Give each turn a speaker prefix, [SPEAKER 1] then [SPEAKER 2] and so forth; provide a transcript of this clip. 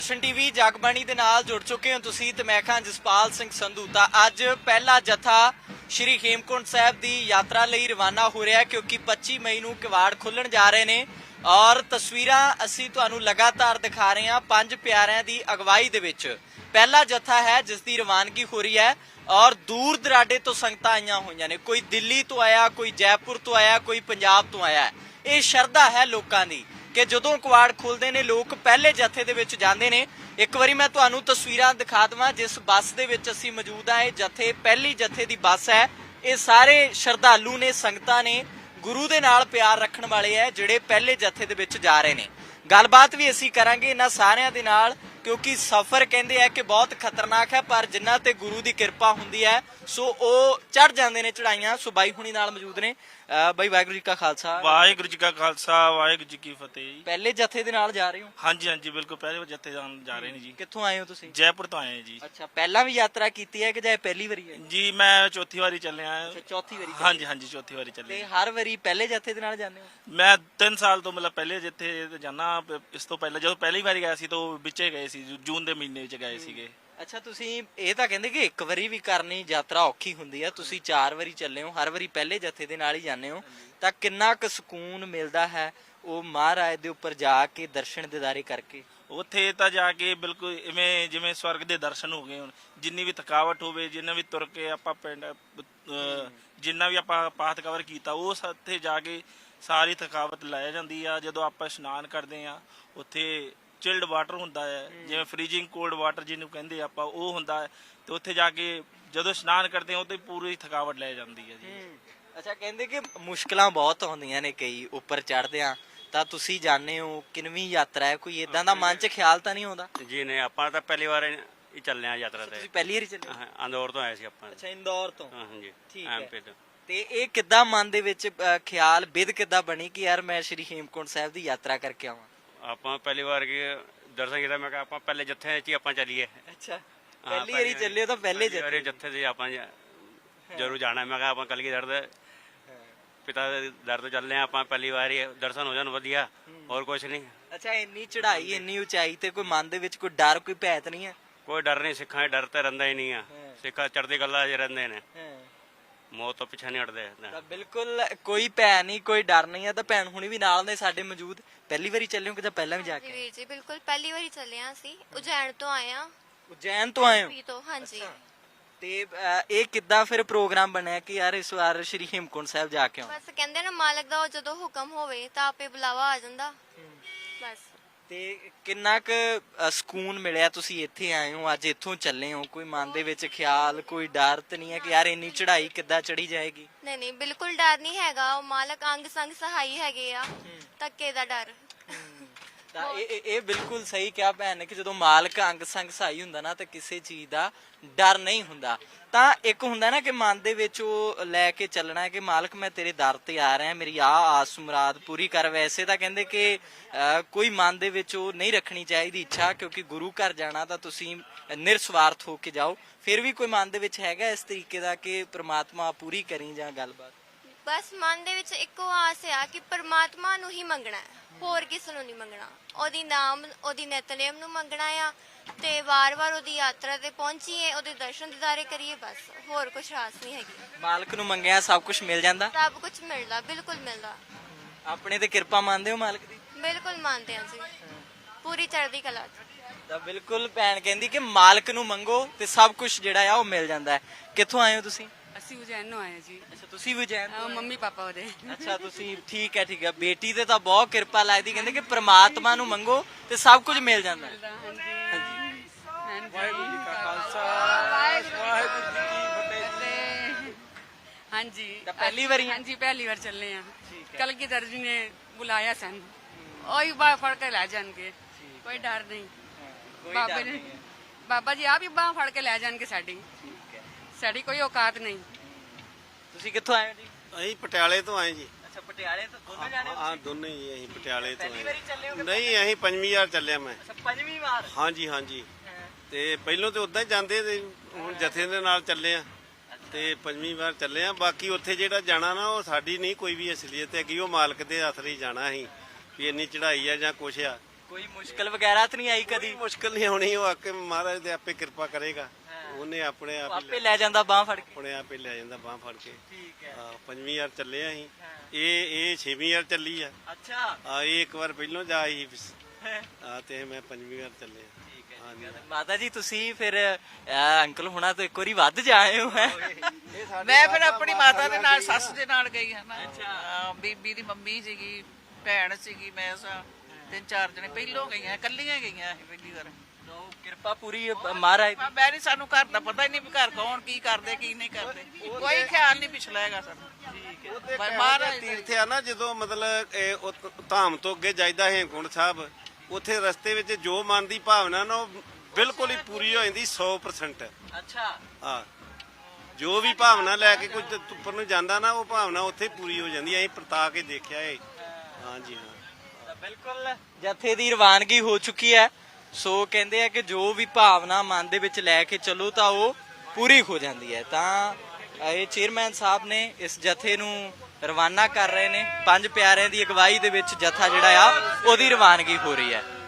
[SPEAKER 1] ਦਰਸ਼ਨ TV Jagbani ਦੇ ਨਾਲ ਜੁੜ ਚੁੱਕੇ ਹੋ ਤੁਸੀਂ ਤੇ ਮੈਂ ਖਾਂ ਜਸਪਾਲ ਸਿੰਘ ਸੰਧੂ। ਤਾਂ ਅੱਜ ਪਹਿਲਾ ਜਥਾ ਸ਼੍ਰੀ ਹੇਮਕੁੰਟ ਸਾਹਿਬ ਦੀ ਯਾਤਰਾ ਲਈ ਰਵਾਨਾ ਹੋ ਰਿਹਾ ਕਿਉਂਕਿ 25 ਮਈ ਨੂੰ ਕਿਵਾੜ ਖੁੱਲਣ ਜਾ ਰਹੇ ਨੇ ਔਰ ਤਸਵੀਰਾਂ ਅਸੀਂ ਤੁਹਾਨੂੰ ਲਗਾਤਾਰ ਦਿਖਾ ਰਹੇ ਹਾਂ ਪੰਜ ਪਿਆਰਿਆਂ ਦੀ ਅਗਵਾਈ ਦੇ ਵਿੱਚ ਪਹਿਲਾ ਜਥਾ ਹੈ ਜਿਸ ਦੀ ਰਵਾਨਗੀ ਹੋ ਰਹੀ ਹੈ ਔਰ ਦੂਰ ਦਰਾਡੇ ਤੋਂ ਸੰਗਤਾਂ ਆਈਆਂ ਹੋਈਆਂ ਨੇ। ਕੋਈ ਦਿੱਲੀ ਤੋਂ ਆਇਆ, ਕੋਈ ਜੈਪੁਰ ਤੋਂ ਆਇਆ, ਕੋਈ ਪੰਜਾਬ ਤੋਂ ਆਇਆ। ਇਹ ਸ਼ਰਧਾ ਹੈ ਲੋਕਾਂ ਦੀ ਕਿ ਜਦੋਂ ਕਿਵਾੜ ਖੁੱਲਦੇ ਨੇ ਲੋਕ ਪਹਿਲੇ ਜਥੇ ਦੇ ਵਿੱਚ ਜਾਂਦੇ ਨੇ। ਇੱਕ ਵਾਰੀ ਮੈਂ ਤੁਹਾਨੂੰ ਤਸਵੀਰਾਂ ਦਿਖਾ ਦੇਵਾਂ ਜਿਸ ਬੱਸ ਦੇ ਵਿੱਚ ਅਸੀਂ ਮੌਜੂਦ ਹਾਂ। ਇਹ ਜਥੇ ਪਹਿਲੀ ਜਥੇ ਦੀ ਬੱਸ ਹੈ। ਇਹ ਸਾਰੇ ਸ਼ਰਧਾਲੂ ਨੇ, ਸੰਗਤਾਂ ਨੇ, ਗੁਰੂ ਦੇ ਨਾਲ ਪਿਆਰ ਰੱਖਣ ਵਾਲੇ ਹੈ ਜਿਹੜੇ ਪਹਿਲੇ ਜਥੇ ਦੇ ਵਿੱਚ ਜਾ ਰਹੇ ਨੇ। ਗੱਲਬਾਤ ਵੀ ਅਸੀਂ ਕਰਾਂਗੇ ਇਹਨਾਂ ਸਾਰਿਆਂ ਦੇ ਨਾਲ ਕਿਉਂਕਿ ਸਫ਼ਰ ਕਹਿੰਦੇ ਆ ਕਿ ਬਹੁਤ ਖਤਰਨਾਕ ਹੈ ਪਰ ਜਿਨ੍ਹਾਂ ਤੇ ਗੁਰੂ ਦੀ ਕਿਰਪਾ ਹੁੰਦੀ ਹੈ ਸੋ ਉਹ ਚੜ ਜਾਂਦੇ ਨੇ ਚੜਾਈਆਂ। ਸੋ ਬਾਈ ਹੁਣੀ ਨਾਲ ਮੌਜੂਦ ਨੇ। ਬਾਈ ਵਾਹਿਗੁਰੂ ਜੀ ਕਾ ਖਾਲਸਾ।
[SPEAKER 2] ਵਾਹਿਗੁਰੂ ਜੀ ਕਾ ਖਾਲਸਾ, ਵਾਹਿਗੁਰੂ ਜੀ ਕੀ ਫਤਿਹ ਜੀ।
[SPEAKER 1] ਪਹਿਲੇ ਜਥੇ ਦੇ ਨਾਲ ਜਾ ਰਹੇ ਹੋ?
[SPEAKER 2] ਹਾਂਜੀ ਹਾਂਜੀ ਬਿਲਕੁਲ, ਪਹਿਲੇ ਜਥੇ ਜਾ ਰਹੇ ਨੇ ਜੀ।
[SPEAKER 1] ਕਿੱਥੋਂ ਆਏ ਹੋ ਤੁਸੀਂ?
[SPEAKER 2] ਜੈਪੁਰ ਤੋਂ ਆਏ ਜੀ।
[SPEAKER 1] ਅੱਛਾ, ਪਹਿਲਾਂ ਵੀ ਯਾਤਰਾ ਕੀਤੀ ਹੈ ਕਿ ਜਾਂ ਪਹਿਲੀ ਵਾਰੀ ਹੈ?
[SPEAKER 2] ਜੀ ਮੈਂ ਚੌਥੀ ਵਾਰੀ ਚੱਲਿਆ।
[SPEAKER 1] ਅੱਛਾ, ਚੌਥੀ ਵਾਰੀ।
[SPEAKER 2] ਹਾਂਜੀ ਹਾਂਜੀ ਚੌਥੀ ਵਾਰੀ
[SPEAKER 1] ਤੇ
[SPEAKER 2] ਚੱਲੇ।
[SPEAKER 1] ਹਰ ਵਾਰੀ ਪਹਿਲੇ ਜਥੇ ਦੇ ਨਾਲ ਜਾਂਦੇ ਹੋ?
[SPEAKER 2] ਮੈਂ 3 ਸਾਲ ਤੋਂ ਮਤਲਬ ਪਹਿਲੇ ਜਿੱਥੇ ਜਾਣਾ। ਇਸ ਤੋਂ ਪਹਿਲਾਂ ਜਦੋਂ ਪਹਿਲੀ ਵਾਰੀ ਗਿਆ ਸੀ ਤਾਂ ਵਿੱਚੇ ਗਏ ਸੀ, ਜੂਨ ਦੇ ਮਹੀਨੇ ਵਿੱਚ ਗਏ ਸੀਗੇ।
[SPEAKER 1] ਅੱਛਾ, ਤੁਸੀਂ ਇਹ ਤਾਂ ਕਹਿੰਦੇ ਕਿ ਇੱਕ ਵਾਰੀ ਵੀ ਕਰਨੀ ਯਾਤਰਾ ਔਖੀ ਹੁੰਦੀ ਹੈ, ਤੁਸੀਂ 4 ਵਾਰੀ ਚੱਲੇ ਹੋ, ਹਰ ਵਾਰੀ ਪਹਿਲੇ ਜਥੇ ਦੇ ਨਾਲ ਹੀ ਜਾਂਦੇ ਹੋ, ਤਾਂ ਕਿੰਨਾ ਕੁ ਸਕੂਨ ਮਿਲਦਾ ਹੈ ਉਹ ਮਹਾਰਾਜ ਦੇ ਉੱਪਰ ਜਾ ਕੇ ਦਰਸ਼ਨ ਦਿਦਾਰੇ ਕਰਕੇ?
[SPEAKER 2] ਉੱਥੇ ਤਾਂ ਜਾ ਕੇ ਬਿਲਕੁਲ ਇਵੇਂ ਜਿਵੇਂ ਸਵਰਗ ਦੇ ਦਰਸ਼ਨ ਹੋ ਗਏ। ਹੁਣ ਜਿੰਨੀ ਵੀ ਥਕਾਵਟ ਹੋਵੇ, ਜਿੰਨਾ ਵੀ ਤੁਰ ਕੇ ਆਪਾਂ ਪਿੰਡ ਜਿੰਨਾ ਵੀ ਆਪਾਂ ਪਾਠ ਕਵਰ ਕੀਤਾ ਉਹ ਉੱਥੇ ਜਾ ਕੇ ਸਾਰੀ ਥਕਾਵਟ ਲੈ ਜਾਂਦੀ ਆ। ਜਦੋਂ ਆਪਾਂ ਇਸ਼ਨਾਨ ਕਰਦੇ ਆ ਉੱਥੇ ਚਿਲਡ ਵਾਟਰ ਹੁੰਦਾ ਹੈ, ਜਿਵੇਂ ਫਰੀਜ਼ਿੰਗ ਕੋਲਡ ਵਾਟਰ ਜਿਹਨੂੰ ਕਹਿੰਦੇ ਆਪਾਂ, ਉਹ ਹੁੰਦਾ ਹੈ। ਤੇ ਉੱਥੇ ਜਾ ਕੇ ਜਦੋਂ ਇਸ਼ਨਾਨ ਕਰਦੇ ਆ ਉਹ ਤੇ ਪੂਰੀ ਥਕਾਵਟ ਲੈ ਜਾਂਦੀ ਹੈ ਜੀ।
[SPEAKER 1] ਅੱਛਾ, ਕਹਿੰਦੇ ਕਿ ਮੁਸ਼ਕਲਾਂ ਬਹੁਤ ਆਉਂਦੀਆਂ ਨੇ ਕਈ ਉੱਪਰ ਚੜ੍ਹਦੇ ਆ, ਤਾਂ ਤੁਸੀਂ ਜਾਣਦੇ ਹੋ ਕਿੰਨਵੀਂ ਯਾਤਰਾ ਹੈ, ਕੋਈ ਇਦਾਂ ਦਾ ਮਨ 'ਚ ਖਿਆਲ ਤਾਂ ਨਹੀਂ ਆਉਂਦਾ?
[SPEAKER 3] ਜੀ ਨਹੀਂ, ਆਪਾਂ ਤਾਂ ਪਹਿਲੀ ਵਾਰ ਹੀ ਚੱਲੇ ਆ ਯਾਤਰਾ ਤੇ।
[SPEAKER 1] ਤੁਸੀਂ ਪਹਿਲੀ ਵਾਰੀ ਚੱਲੇ?
[SPEAKER 3] ਇੰਦੌਰ ਤੋਂ ਆਏ ਸੀ ਆਪਾਂ।
[SPEAKER 1] ਅੱਛਾ, ਇੰਦੌਰ ਤੋਂ।
[SPEAKER 3] ਹਾਂਜੀ,
[SPEAKER 1] ਠੀਕ ਹੈ।
[SPEAKER 3] ਐਮਪੀ ਤੋਂ।
[SPEAKER 1] ਤੇ ਇਹ ਕਿੱਦਾਂ ਮਨ ਦੇ ਵਿੱਚ ਖਿਆਲ ਬਿਧ ਕਿੱਦਾਂ ਬਣੀ ਕਿ ਯਾਰ ਮੈਂ ਸ਼੍ਰੀ ਹੇਮਕੁੰਟ ਸਾਹਿਬ ਦੀ ਯਾਤਰਾ ਕਰਕੇ ਆਵਾਂ?
[SPEAKER 3] ਆਪਾਂ ਪਹਿਲੀ ਵਾਰ ਦਰਸ਼ਨ ਕੀਤਾ, ਮੈਂ ਕਿਹਾ ਆਪਾਂ ਪਹਿਲੇ ਜੱਥੇ 'ਚ ਹੀ ਆਪਾਂ ਚੱਲੀਏ।
[SPEAKER 1] ਅੱਛਾ, ਪਹਿਲੀ ਵਾਰੀ ਚੱਲੇ ਹੋ ਤਾਂ ਪਹਿਲੇ
[SPEAKER 3] ਜੱਥੇ 'ਚ ਆਪਾਂ ਜ਼ਰੂਰ ਜਾਣਾ। ਮੈਂ ਕਿਹਾ ਆਪਾਂ ਕਲਗੀਧਰ ਦੇ ਪਿਤਾ ਦੇ ਦਰ ਤੋਂ ਚੱਲੇ ਆ ਆਪਾਂ, ਪਹਿਲੀ ਵਾਰੀ ਦਰਸ਼ਨ ਹੋ ਜਾਣ ਵਧੀਆ, ਹੋਰ ਕੁਝ ਨਹੀਂ।
[SPEAKER 1] ਅੱਛਾ, ਇੰਨੀ ਚੜ੍ਹਾਈ, ਇੰਨੀ ਉਚਾਈ ਤੇ ਕੋਈ ਮਨ ਦੇ ਵਿੱਚ ਕੋਈ ਡਰ, ਕੋਈ ਭੈ ਤਾਂ ਨਹੀਂ ਹੈ?
[SPEAKER 3] ਕੋਈ ਡਰ ਨਹੀਂ, ਸਿੱਖਾਂ 'ਚ ਡਰ ਤਾਂ ਰਹਿੰਦਾ ਹੀ ਨਹੀਂ ਆ। ਸਿੱਖਾਂ ਚੜ੍ਹਦੀ ਕਲਾ 'ਚ ਰਹਿੰਦੇ ਨੇ, ਮੌਤ ਤੋਂ ਪਿੱਛੇ ਨਹੀਂ ਹਟਦੇ।
[SPEAKER 1] ਤਾਂ ਬਿਲਕੁਲ ਕੋਈ ਭੈ ਨਹੀਂ, ਕੋਈ ਡਰ ਨਹੀਂ ਹੈ। ਤਾਂ ਭੈਣ ਹੁਣੀ ਵੀ ਨਾਲ ਨੇ ਸਾਡੇ ਮੌਜੂਦ। ਪਹਿਲੀ ਵਾਰੀ ਚੱਲੇ ਹੋ ਕਿ ਜਾਂ ਪਹਿਲਾਂ ਵੀ ਜਾ ਕੇ?
[SPEAKER 4] ਵੀਰ ਜੀ ਬਿਲਕੁਲ ਪਹਿਲੀ ਵਾਰੀ ਚੱਲੇ ਆ ਅਸੀਂ। ਉਜੈਨ ਤੋਂ ਆਏ ਆ।
[SPEAKER 1] ਉਜੈਨ ਤੋਂ ਆਏ ਹੋ?
[SPEAKER 4] ਤੋਂ ਹਾਂਜੀ।
[SPEAKER 1] ਤੇ ਇਹ ਕਿੱਦਾਂ ਫਿਰ ਪ੍ਰੋਗਰਾਮ ਬਣਿਆ ਕਿ ਯਾਰ ਇਸ ਵਾਰ ਸ਼੍ਰੀ ਹੇਮਕੁੰਟ ਸਾਹਿਬ ਜਾ ਕੇ ਆਉਂ?
[SPEAKER 4] ਬਸ ਕਹਿੰਦੇ ਨਾ ਮਾਲਕ ਦਾ ਜਦੋਂ ਹੁਕਮ ਹੋਵੇ ਤਾਂ ਆਪੇ ਬੁਲਾਵਾ ਆ ਜਾਂਦਾ ਬਸ।
[SPEAKER 1] ਤੇ ਕਿੰਨਾ ਕੁ ਸਕੂਨ ਮਿਲਿਆ? ਤੁਸੀਂ ਇੱਥੇ ਆਏ ਹੋ, ਅੱਜ ਇੱਥੋਂ ਚੱਲੇ ਹੋ, ਕੋਈ ਮਨ ਦੇ ਵਿੱਚ ਖਿਆਲ, ਕੋਈ ਡਰ ਤਾਂ ਨਹੀਂ ਹੈ ਕਿ ਯਾਰ ਇੰਨੀ ਚੜ੍ਹਾਈ ਕਿੱਦਾਂ ਚੜੀ ਜਾਏਗੀ?
[SPEAKER 4] ਨਹੀਂ ਨਹੀਂ, ਬਿਲਕੁਲ ਡਰ ਨਹੀਂ ਹੈਗਾ। ਉਹ ਮਾਲਕ ਅੰਗ ਸੰਗ ਸਹਾਈ ਹੈਗੇ ਆ, ਧੱਕੇ ਦਾ ਡਰ।
[SPEAKER 1] ਤਾਂ ਇਹ ਬਿਲਕੁਲ ਸਹੀ ਕਿਹਾ ਭੈਣ ਨੇ ਕਿ ਜਦੋਂ ਮਾਲਕ ਅੰਗ ਸੰਗ ਸਹਾਈ ਹੁੰਦਾ ਨਾ ਤਾਂ ਕਿਸੇ ਚੀਜ਼ ਦਾ ਡਰ ਨਹੀਂ ਹੁੰਦਾ। ਤਾਂ ਇੱਕ ਹੁੰਦਾ ਨਾ ਕਿ ਮਨ ਦੇ ਵਿੱਚ ਉਹ ਲੈ ਕੇ ਚੱਲਣਾ ਹੈ ਕਿ ਮਾਲਕ ਮੈਂ ਤੇਰੇ ਦਰ ਤੇ ਆ ਰਿਹਾ, ਮੇਰੀ ਆਸ ਮੁਰਾਦ ਪੂਰੀ ਕਰ। ਵੈਸੇ ਤਾਂ ਕਹਿੰਦੇ ਕਿ ਕੋਈ ਮਨ ਦੇ ਵਿੱਚ ਉਹ ਨਹੀਂ ਰੱਖਣੀ ਚਾਹੀਦੀ ਇੱਛਾ, ਕਿਉਂਕਿ ਗੁਰੂ ਘਰ ਜਾਣਾ ਤਾਂ ਤੁਸੀਂ ਨਿਰਸਵਾਰਥ ਹੋ ਕੇ ਜਾਓ। ਫਿਰ ਵੀ ਕੋਈ ਮਨ ਦੇ ਵਿੱਚ ਹੈਗਾ ਇਸ ਤਰੀਕੇ ਦਾ ਕਿ ਪ੍ਰਮਾਤਮਾ ਪੂਰੀ ਕਰੀ ਜਾਂ ਗੱਲਬਾਤ?
[SPEAKER 4] ਬਸ ਮਨ ਦੇ ਵਿੱਚ ਇੱਕੋ ਆਸ ਆ ਕਿ ਪਰਮਾਤਮਾ ਨੂੰ ਹੀ ਮੰਗਣਾ ਹੈ, ਹੋਰ ਕਿਸੇ ਨੂੰ ਨਹੀਂ ਮੰਗਣਾ। ਉਹਦੀ ਨਾਮ, ਉਹਦੀ ਨਿਤਨੇਮ ਨੂੰ ਮੰਗਣਾ ਆ ਤੇ ਵਾਰ-ਵਾਰ ਉਹਦੀ ਯਾਤਰਾ ਤੇ ਪਹੁੰਚੀਏ, ਉਹਦੇ ਦਰਸ਼ਨ ਦਿਦਾਰੇ ਕਰੀਏ, ਬਸ ਹੋਰ ਕੁਛ ਆਸ ਨਹੀਂ ਹੈਗੀ।
[SPEAKER 1] ਮਾਲਕ ਨੂੰ ਮੰਗਿਆ ਸਭ ਕੁਝ ਮਿਲ ਜਾਂਦਾ?
[SPEAKER 4] ਸਭ ਕੁਝ ਮਿਲਦਾ, ਬਿਲਕੁਲ ਮਿਲਦਾ।
[SPEAKER 1] ਆਪਣੇ ਤੇ ਕਿਰਪਾ ਮੰਨਦੇ ਹੋ ਮਾਲਕ ਦੀ?
[SPEAKER 4] ਬਿਲਕੁਲ ਮੰਨਦੇ ਹਾਂ ਜੀ, ਪੂਰੀ ਚੜ੍ਹਦੀ ਕਲਾ 'ਚ।
[SPEAKER 1] ਤਾਂ ਬਿਲਕੁਲ ਭੈਣ ਕਹਿੰਦੀ ਕਿ ਮਾਲਕ ਨੂੰ ਮੰਗੋ ਤੇ ਸਭ ਕੁਝ ਜਿਹੜਾ ਆ ਉਹ ਮਿਲ ਜਾਂਦਾ ਹੈ। ਕਿੱਥੋਂ ਆਏ ਹੋ ਤੁਸੀਂ?
[SPEAKER 5] ਅਸੀਂ ਉਜੈਨ ਆਏ ਜੀ।
[SPEAKER 1] ਅੱਛਾ, ਤੁਸੀਂ ਵੀ ਉਜੈਨ ਤੋਂ?
[SPEAKER 5] ਮੰਮੀ ਪਾਪਾ ਉਹਦੇ।
[SPEAKER 1] ਅੱਛਾ, ਤੁਸੀਂ ਠੀਕ ਹੈ, ਠੀਕ ਹੈ। ਬੇਟੀ ਤੇ ਤਾਂ ਬਹੁਤ ਕਿਰਪਾ ਲੱਗਦੀ, ਕਹਿੰਦੇ ਕਿ ਪ੍ਰਮਾਤਮਾ ਨੂੰ ਮੰਗੋ ਤੇ ਸਭ ਕੁਝ ਮਿਲ ਜਾਂਦਾ ਹੈ।
[SPEAKER 5] ਵਾਹਿਗੁਰੂ ਜੀ ਕਾ ਖਾਲਸਾ, ਵਾਹਿਗੁਰੂ ਜੀ ਕੀ ਫਤਿਹ। ਹਾਂਜੀ,
[SPEAKER 1] ਤਾਂ ਪਹਿਲੀ ਵਾਰੀ?
[SPEAKER 5] ਹਾਂਜੀ, ਪਹਿਲੀ ਵਾਰ ਚੱਲੇ ਆ। ਕਲਗੀਧਰ ਜੀ ਨੇ ਬੁਲਾਇਆ ਸਾਨੂੰ, ਉਹੀ ਬਾਹ ਫੜ ਕੇ ਲੈ ਜਾਣਗੇ, ਕੋਈ ਡਰ ਨਹੀਂ। ਬਾਬੇ ਨੇ, ਬਾਬਾ ਜੀ ਆਪ ਹੀ ਬਾਹ ਫੜ ਕੇ ਲੈ ਜਾਣਗੇ ਸਾਡੀ ਕੋਈ ਔਕਾਤ ਨਹੀਂ।
[SPEAKER 1] ਤੁਸੀਂ ਕਿੱਥੋਂ ਆਏ ਹੋ ਜੀ?
[SPEAKER 6] ਅਸੀਂ ਪਟਿਆਲੇ ਤੋਂ ਆਏ ਜੀ।
[SPEAKER 1] ਅੱਛਾ, ਪਟਿਆਲੇ ਤੋਂ ਦੋਨੋਂ ਜਾਣੇ ਹੋ?
[SPEAKER 6] ਹਾਂ, ਦੋਨੇ ਹੀ ਅਸੀਂ ਪਟਿਆਲੇ ਤੋਂ
[SPEAKER 1] ਪਹਿਲੀ ਵਾਰੀ ਚੱਲੇ ਹੋ?
[SPEAKER 6] ਨਹੀਂ, ਅਸੀਂ 5ਵੀਂ ਵਾਰ ਚੱਲਿਆ ਮੈਂ।
[SPEAKER 1] ਅੱਛਾ, 5ਵੀਂ ਵਾਰ?
[SPEAKER 6] ਹਾਂਜੀ ਹਾਂਜੀ। ਤੇ ਪਹਿਲੋਂ ਤੇ ਉਦਾਂ ਹੀ ਜਾਂਦੇ ਤੇ ਹੁਣ ਜਥੇ ਦੇ ਨਾਲ ਚੱਲੇ ਆ ਤੇ 5ਵੀਂ ਵਾਰ ਚੱਲੇ ਆ। ਬਾਕੀ ਉੱਥੇ ਜਿਹੜਾ ਜਾਣਾ ਨਾ ਉਹ ਸਾਡੀ ਨਹੀਂ ਕੋਈ ਵੀ ਅਸਲੀਅਤ ਹੈਗੀ, ਉਹ ਮਾਲਕ ਦੇ ਹੱਥ ਹੀ ਜਾਣਾ ਅਸੀਂ ਵੀ ਇੰਨੀ ਚੜ੍ਹਾਈ ਆ ਜਾਂ ਕੁਛ ਆ।
[SPEAKER 1] ਕੋਈ ਮੁਸ਼ਕਲ ਵਗੈਰਾ ਤਾਂ ਨਹੀਂ ਆਈ ਕਦੀ?
[SPEAKER 6] ਮੁਸ਼ਕਲ ਨਹੀਂ ਹੋਣੀ, ਉਹ ਆਕੇ ਮਹਾਰਾਜ ਦੇ ਆਪੇ ਕਿਰਪਾ ਕਰੇਗਾ, ਉਹਨੇ ਆਪਣੇ ਆਪ ਹੀ
[SPEAKER 1] ਆਪੇ ਲੈ ਜਾਂਦਾ ਬਾਹ ਫੜ ਕੇ।
[SPEAKER 6] ਆਪਣੇ ਆਪ ਹੀ ਲੈ ਜਾਂਦਾ ਬਾਹ ਫੜ ਕੇ।
[SPEAKER 1] ਠੀਕ ਹੈ।
[SPEAKER 6] ਹਾਂ, 5ਵੀਂ ਵਾਰ ਚੱਲੇ ਆ ਅਸੀਂ, ਇਹ 6ਵੀਂ ਵਾਰ ਚੱਲੀ ਆ।
[SPEAKER 1] ਅੱਛਾ
[SPEAKER 6] ਇਹ ਇੱਕ ਵਾਰ ਪਹਿਲੋਂ ਜਾ ਆਈ ਤੇ ਮੈਂ 5ਵੀਂ ਵਾਰ ਚੱਲੇ ਆ। ਹਾਂਜੀ।
[SPEAKER 1] ਮਾਤਾ ਜੀ ਤੁਸੀਂ ਫਿਰ ਅੰਕਲ ਹੁਣਾਂ ਤੋਂ ਇੱਕ ਵਾਰੀ ਵੱਧ ਜਾਏ ਹੋ ਹੈ?
[SPEAKER 7] ਮੈਂ ਫਿਰ ਆਪਣੀ ਮਾਤਾ ਦੇ ਨਾਲ ਸੱਸ ਦੇ ਨਾਲ ਗਈ ਹਾਂ ਨਾ। ਹਾਂ, ਬੀਬੀ ਦੀ ਮੰਮੀ ਸੀਗੀ, ਭੈਣ ਸੀਗੀ, ਮੈਂ ਸਾਂ, 3-4 ਜਣੇ ਪਹਿਲੋਂ ਗਈਆਂ, ਇਕੱਲੀਆਂ ਗਈਆਂ ਅਸੀਂ ਪਹਿਲੀ ਵਾਰ।
[SPEAKER 1] ਕਿਰਪਾ ਪੂਰੀ ਮਹਾਰਾਜ ਦੀ।
[SPEAKER 7] ਮੈਂ ਨਹੀਂ, ਸਾਨੂੰ ਘਰ ਦਾ ਪਤਾ ਹੀ ਨਹੀਂ ਵੀ ਘਰ ਕੌਣ ਕੀ ਕਰਦੇ ਕੀ ਨਹੀਂ ਕਰਦੇ, ਕੋਈ ਖਿਆਲ ਨਹੀਂ ਪਿਛਲਾ ਹੈਗਾ ਸਾਨੂੰ। ਪਰ ਮਹਾਰਾਜ
[SPEAKER 6] ਤੀਰਥ ਆ ਨਾ, ਜਦੋਂ ਮਤਲਬ ਉਹ ਧਾਮ ਤੋਂ ਅੱਗੇ ਜਾਈਦਾ ਹੇਮਕੁੰਟ ਸਾਹਿਬ, ਉੱਥੇ ਰਸਤੇ ਵਿੱਚ ਜੋ ਮਨ ਦੀ ਭਾਵਨਾ ਨਾ ਉਹ ਬਿਲਕੁਲ ਹੀ ਪੂਰੀ ਹੋ ਜਾਂਦੀ 100%।
[SPEAKER 1] ਅੱਛਾ
[SPEAKER 6] ਹਾਂ, ਜੋ ਵੀ ਭਾਵਨਾ ਲੈ ਕੇ ਕੁਝ ਉੱਪਰ ਨੂੰ ਜਾਂਦਾ ਨਾ, ਉਹ ਭਾਵਨਾ ਉੱਥੇ ਪੂਰੀ ਹੋ ਜਾਂਦੀ। ਅਸੀਂ ਪਰਤਾ ਕੇ ਦੇਖਿਆ ਏ। ਹਾਂਜੀ ਹਾਂ,
[SPEAKER 1] ਤਾਂ ਬਿਲਕੁਲ ਜਥੇ ਦੀ ਰਵਾਨਗੀ ਹੋ ਚੁੱਕੀ ਹੈ। ਸੋ ਕਹਿੰਦੇ ਆ ਕਿ ਜੋ ਵੀ ਭਾਵਨਾ ਮਨ ਦੇ ਵਿੱਚ ਲੈ ਕੇ ਚੱਲੋ ਤਾਂ ਉਹ ਪੂਰੀ ਹੋ ਜਾਂਦੀ ਹੈ। ਤਾਂ ਇਹ ਚੇਅਰਮੈਨ ਸਾਹਿਬ ਨੇ ਇਸ ਜਥੇ ਨੂੰ ਰਵਾਨਾ ਕਰ ਰਹੇ ਨੇ। 5 ਪਿਆਰਿਆਂ ਦੀ ਅਗਵਾਈ ਦੇ ਵਿੱਚ ਜਥਾ ਜਿਹੜਾ ਆ ਉਹਦੀ ਰਵਾਨਗੀ ਹੋ ਰਹੀ ਹੈ।